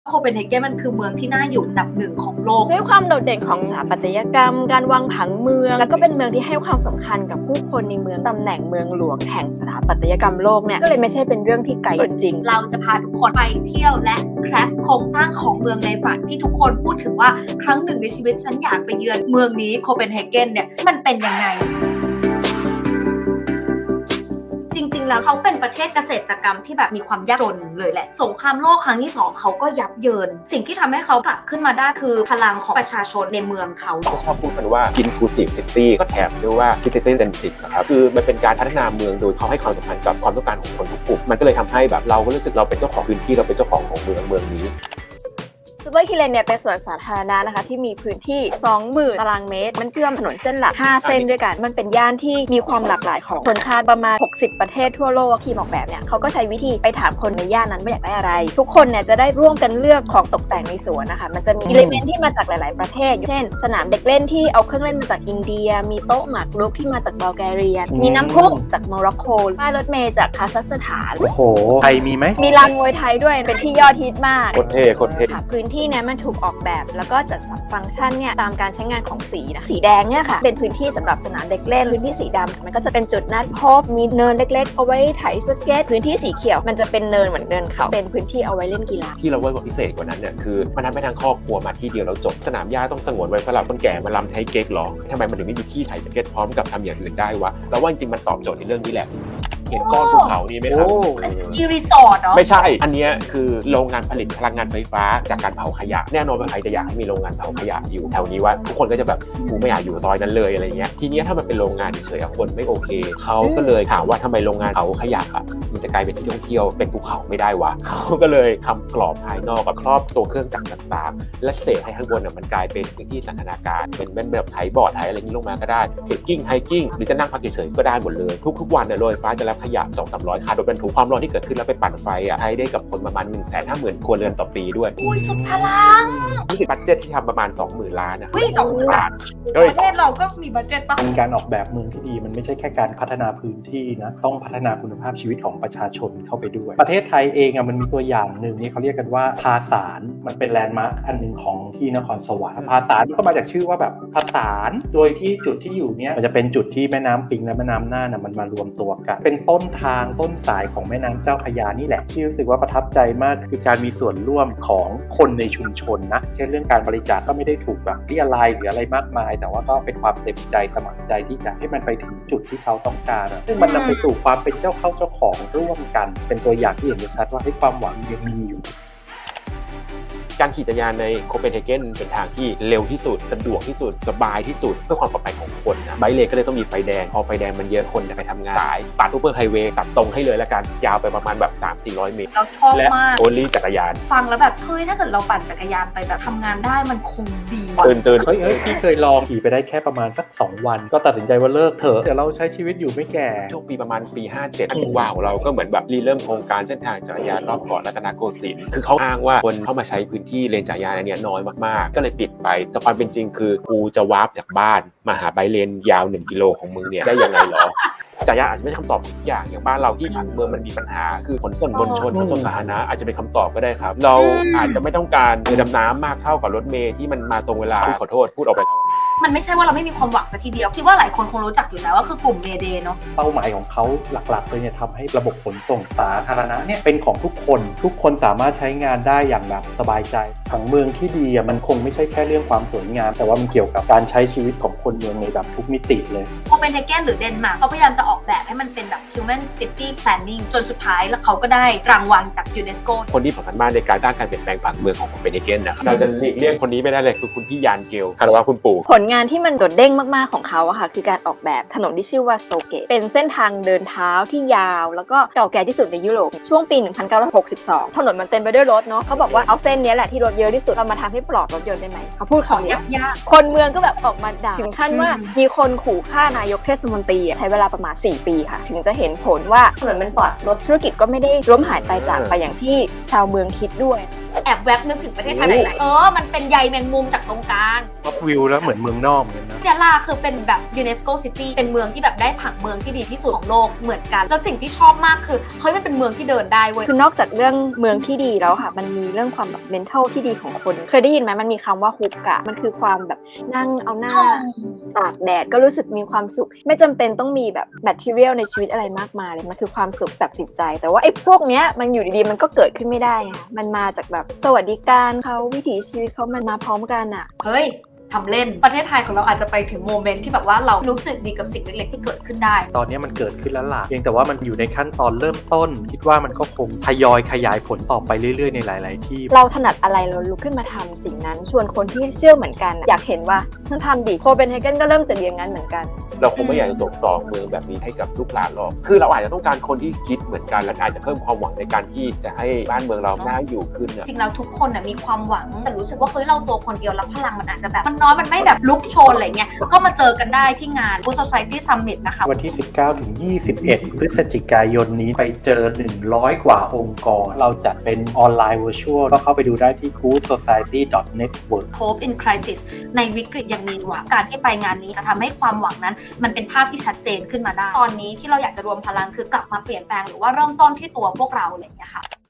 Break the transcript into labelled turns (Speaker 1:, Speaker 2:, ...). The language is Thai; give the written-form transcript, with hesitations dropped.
Speaker 1: โคเปนเฮเกนมันคือเมืองที่น่าอยู่อันดับหนึ่งของโลก
Speaker 2: ด้วยความโดดเด่นของสถาปัตยกรรมการวางผังเมืองแล้วก็เป็นเมืองที่ให้ความสำคัญกับผู้คนในเมืองตำแหน่งเมืองหลวงแห่งสถาปัตยกรรมโลกเนี่ยก็เลยไม่ใช่เป็นเรื่องที่ไกลจริง
Speaker 1: เราจะพาทุกคนไปเที่ยวและแคร็กโครงสร้างของเมืองในฝันที่ทุกคนพูดถึงว่าครั้งหนึ่งในชีวิตฉันอยากไปเยือนเมืองนี้โคเปนเฮเกนเนี่ยมันเป็นยังไงจริงๆแล้วเขาเป็นประเทศเกษตรกรรมที่แบบมีความยากจนเลยแหละสงครามโลกครั้งที่2เขาก็ยับเยินสิ่งที่ทำให้เขากลับขึ้นมาได้คือพลังของประชาชนในเมืองเขา
Speaker 3: ชอบพูดกันว่า inclusive city ก็แถมด้วยว่า citizen centric นะครับคือมันเป็นการพัฒนาเมืองโดยเขาให้ความสำคัญกับความต้องการของคนทุกกลุ่มมันก็เลยทำให้แบบเราก็รู้สึกเราเป็นเจ้าของพื้นที่เราเป็นเจ้าของของเมืองนี้
Speaker 2: ซูเปอร์คิเลนเนี่ยเป็นสวนสาธารณะนะคะที่มีพื้นที่ 20,000 ตารางเมตรมันเชื่อมถนนเส้นหลัก5เส้นด้วยกันมันเป็นย่านที่มีความหลากหลายของชนชาติประมาณ60ประเทศทั่วโลกทีมออกแบบเนี่ยเขาก็ใช้วิธีไปถามคนในย่านนั้นว่าอยากได้อะไรทุกคนเนี่ยจะได้ร่วมกันเลือกของตกแต่งในสวนนะคะมันจะมีอิเลเมนต์ที่มาจากหลายๆประเทศเช่นสนามเด็กเล่นที่เอาเครื่องเล่นมาจากอินเดียมีโต๊ะหมากรุกที่มาจากบัลแกเรียมีน้ำพุจากโมร็อกโกป้ายรถเมล์จากคาซัคสถาน
Speaker 4: โอ้โหไทยมีไหม
Speaker 2: มีลานมวยไทยด้วยเป็นที่ยอดฮิตมาก
Speaker 3: โคตรเท่
Speaker 2: พื้นที่เนี่ยมันถูกออกแบบแล้วก็จัดสรรฟังก์ชันเนี่ยตามการใช้งานของสีนะสีแดงเนี่ยค่ะเป็นพื้นที่สำหรับสนามเด็กเล่นพื้นที่สีดำมันก็จะเป็นจุดนัดพบมีเนินเล็กๆเอาไว้ไถสเก็ตพื้นที่สีเขียวมันจะเป็นเนินเหมือนเนินเขาเป็นพื้นที่เอาไว้เล่นกีฬา
Speaker 3: ที่เราเวิร์กพิเศษกว่านั้นเนี่ยคือมันทำให้ทางครอบครัวมาที่เดียวแล้วจบสนามหญ้าต้องสงวนไว้สำหรับคนแก่มาลำไทเก๊กหรอทำไมมันถึงไม่มีที่ไถสเก็ตพร้อมกับทำอย่างอื่นได้วะแล้วว่าจริงๆมันตอบโจทย์ในเรื่องนี้แหละเห็นก้อนภูเขานี่ไหมครับ
Speaker 1: สกีรีสอร์ทเหรอ
Speaker 3: ไม่ใช่อันนี้คือโรงงานผลิตพลังงานไฟฟ้าจากการเผาขยะแน่นอนว่าใครจะอยากให้มีโรงงานเผาขยะอยู่แถวนี้ว่าทุกคนก็จะแบบกูไม่อยากอยู่ซอยนั้นเลยอะไรเงี้ยทีนี้ถ้ามันเป็นโรงงานเฉยๆคนไม่โอเคเขาก็เลยถามว่าทำไมโรงงานเผาขยะอ่ะมันจะกลายเป็นที่ท่องเที่ยวเป็นภูเขาไม่ได้วะเขาก็เลยทำกรอบภายนอกกับครอบตัวเครื่องจักรต่างๆและเศษให้ข้างบนมันกลายเป็นพื้นที่สันทนาการเป็นแบบไถบอร์ดไถอะไรนี้ลงมาก็ได้เทคกิ้งไฮกิ้งหรือจะนั่งพักเฉยๆก็ได้หมดเลยทุกๆวันเนี่ยโรงไฟฟ้าจะรับขยะ 200-300 คาร์ดบรรทุกความร้อนที่เกิดขึ้นแล้วไปปั่นไฟใช้ได้กับคนประมาณ 150,000 ครัวเรือนต่อปีด้วย
Speaker 1: อุ้ยสุดพลัง
Speaker 3: 20บัดเจ็ตที่ทำประมาณ 20,000 ล้านนะ
Speaker 1: อุ้ย20,000 ล้านประเทศเราก็มีบัดเจ็ตป่ะ
Speaker 4: การออกแบบเมืองที่ดีมันไม่ใช่แค่การพัฒนาพื้นที่นะต้องพัฒนาคุณภาพชีวิตของประชาชนเข้าไปด้วยประเทศไทยเองมันมีตัวอย่างหนึ่งนี่เขาเรียกกันว่าภาษานมันเป็นแลนด์มาร์คอันหนึ่งของที่นครสวรรค์ภาษานก็มาจากชื่อว่าแบบภาษานโดยที่จุดที่อยู่เนี่ยมันจะเป็นจุดที่แม่น้ำปิงและแม่น้ำน่านมันมารวมตัวกันเป็นต้นทางต้นสายของแม่น้ำเจ้าพระยานี่แหละที่รู้สึกว่าประทับใจมากคือการมีส่วนร่วมของคนในชุมชนนะเช่นเรื่องการบริจาคก็ไม่ได้ถูกแบบเรียรายหรืออะไรมากมายแต่ว่าก็เป็นความเต็มใจสมัครใจที่จะให้มันไปถึงจุดที่เขาต้องการซึ่งมันนำไปสู่ความเป็นเจ้าของร่วมกันเป็นตัวอย่างที่เห็นได้ชัดว่าให้ความหวังยังมีอยู่
Speaker 3: การขี่จักรยานในโคเปนเฮเกนเป็นทางที่เร็วที่สุดสะดวกที่สุดสบายที่สุดเพื่อความปลอดภัยของคนนะไบค์เลนก็เลยต้องมีไฟแดงพอไฟแดงมันเยอะคนจะไปทำงานสายตัดซูเปอร์ไฮเวย์ตัดตรงให้เลยละกันยาวไปประมาณแบบ 300-400 เมตร
Speaker 1: เราชอบมาก
Speaker 3: โอลี่จักรยาน
Speaker 1: ฟังแล้วแบบเฮ้ยถ้าเกิดเราปั่นจักรยานไปแบบทำงานได้มันคงดี
Speaker 3: ตื่น
Speaker 4: เฮ้ยพี่เคยลองขี่ไปได้แค่ประมาณสัก2 วันก็ตัดสินใจว่าเลิกเถอะเดี๋ยวเราใช้ชีวิตอยู่ไม่แก่
Speaker 3: ช่วงปีประมาณปี57ผู้ว่าของเราก็เหมือนแบบเริ่มโครงการเส้นทางจักรยานรอบเกาะรัตนโกสินทร์คือเขาอ้างว่าคนเข้ามาใช้พื้นที่เลนจักรยานอันนี้น้อยมากๆก็เลยปิดไปแต่ความเป็นจริงคือกูจะวาร์ปจากบ้านมาหาไบค์เลนยาว1 กิโลของมึงเนี่ยได้ยังไงหรอจักรยานอาจจะไม่ใช่คำตอบทุกอย่างบ้านเราที่ผังเมืองมันมีปัญหาคือขนส่งมวลชนขนส่งสาธารณะอาจจะเป็นคำตอบก็ได้ครับเราอาจจะไม่ต้องการเรือดำน้ำมากเท่ากับรถเมล์ที่มันมาตรงเวลาขอโทษพูดออกไปแล้ว
Speaker 1: มันไม่ใช่ว่าเราไม่มีความหวังสักทีเดียวคิดว่าหลายคนคงรู้จักอยู่แล้วว่าคือกลุ่มเมเดย์เนาะ
Speaker 4: เป้าหมายของเขาหลักๆเลยเนี่ยทำให้ระบบขนส่งสาธารณะเนี่ยเป็นของทุกคนสามารถใช้งานได้อย่างแบบสบายใจผังเมืองที่ดีมันคงไม่ใช่แค่เรื่องความสวยงามแต่ว่ามันเกี่ยวกับการใช้ชีวิตของคนเมืองในแบบทุกมิติเลย
Speaker 1: โคเปนเฮเกนหรือเดนมาร์กเขาพยายามจะออกแบบให้มันเป็นแบบ Human City Planning จนสุดท้ายแล้วเขาก็ได้รางวัลจากยูเนสโก
Speaker 3: คนที่สำคัญมากในการสร้างการเปลี่ยนแปลงผังเมืองของโคเปนเฮเกนนะครับเราจะหลีกเลี่ยงคนนี้ไม่ได้เลยคือคุณพี่ยานเกลคารวะคุณปู่
Speaker 2: ผลงานที่มันโดดเด่นมากๆของเขาอะค่ะคือการออกแบบถนนที่ชื่อว่าสโตเกตเป็นเส้นทางเดินเท้าที่ยาวแล้วก็เก่าแก่ที่สุดในยุโรปช่วงปี 1962 ถนนมันเต็มไปด้วยรถเนาะเขาบอกว่าเอาเส้นนี้แหละที่รถเยอะที่สุดเรามาทำให้ปลอดรถยนต์ได้ไหมเขาพูดของ
Speaker 1: ยาก
Speaker 2: คนเมืองก็แบบออกมาด่าถึงขั้นว่ามีคนขู่ฆ่านายกเทศมนตรีใช้เวลาประมาณ4 ปีค่ะถึงจะเห็นผลว่าถนนมันปลอดรถธุรกิจก็ไม่ได้ล้มหายตายจากไปอย่างที่ชาวเมืองคิดด้วย
Speaker 1: แอบแวบนึกถึงประเทศไทยหลายๆมันเป็นใยแมงมุมจากตรงกลาง
Speaker 4: ท็อปวิวแล้วเหมือนเมืองนอกเหมือนกันนะ
Speaker 1: ยะลาคือเป็นแบบยูเนสโกซิตี้เป็นเมืองที่แบบได้ผังเมืองที่ดีที่สุดของโลกเหมือนกันแล้วสิ่งที่ชอบมากคือเฮ้ยมันเป็นเมืองที่เดินได้เว้ย
Speaker 2: คือนอกจากเรื่องเมืองที่ดีแล้วค่ะ มันมีเรื่องความแบบ mental ที่ดีของคน เคยได้ยินไหมมันมีคำว่าฮุกอะมันคือความแบบนั่งเอาหน้าตากแดดก็รู้สึกมีความสุข ไม่จำเป็นต้องมีแบบ material ในชีวิตอะไรมากมายเลยมันคือความสุขแบบจิตใจ แต่ว่าไอ้พวกเนี้ยมันอยู่ดีๆมันก็เกิดขึ้นไม่ได้ไงมันมาจากแบบสวัสดิการเขาวิถีชีวิตเขามันมาพร้อมกันอะ
Speaker 1: เฮ้ยทำเล่นประเทศไทยของเราอาจจะไปถึงโมเมนต์ที่แบบว่าเรารู้สึกดีกับสิ่งเล็กๆที่เกิดขึ้นได้
Speaker 4: ตอนนี้มันเกิดขึ้นแล้วล่ะเพียงแต่ว่ามันอยู่ในขั้นตอนเริ่มต้น คิดว่ามันก็คงทยอยขยายผลต่อไปเรื่อยๆในหลายๆที่
Speaker 2: เราถนัดอะไรเราลุกขึ้นมาทำสิ่งนั้นชวนคนที่เชื่อเหมือนกันอยากเห็นว่าท่านทำดิโคเปนเฮเกนก็เริ่มจากอย่างนั้นเหมือนกัน
Speaker 3: เราคงไม่อยากจะตกต่อเมืองแบบนี้ให้กับลูกหลานหรอกคือเราอาจจะต้องการคนที่คิดเหมือนกันและอาจจะเพิ่มความหวังในการที่จะให้บ้านเมืองเราน่าอยู่ขึ้นเนี่ย
Speaker 1: จริงแล้วทุกคนมีความหวังแต่รู้สึกว่าเฮ้ยเราตัวคนเดียวแล้วพลังมันอาจจะแบบมันน้อยมันไม่แบบลุกโชนอะไรเงี้ยก็มาเจอกันได้ที่งาน Good Society Summit นะคะ
Speaker 4: วันที่ 19 ถึง 21 พฤศจิกายนนี้ไปเจอ 100 กว่าองค์กร เราจัดเป็นออนไลน์ virtual ก็เข้าไปดูได้ที่ goodsociety.network
Speaker 1: Hope in Crisis ในวิกฤตยังมีหวังการที่ไปงานนี้จะทำให้ความหวังนั้นมันเป็นภาพที่ชัดเจนขึ้นมาได้ตอนนี้ที่เราอยากจะรวมพลังคือกลับมาเปลี่ยนแปลงหรือว่าเริ่มต้นที่ตัวพวกเราอะไรอย่างเงี้ยค่ะ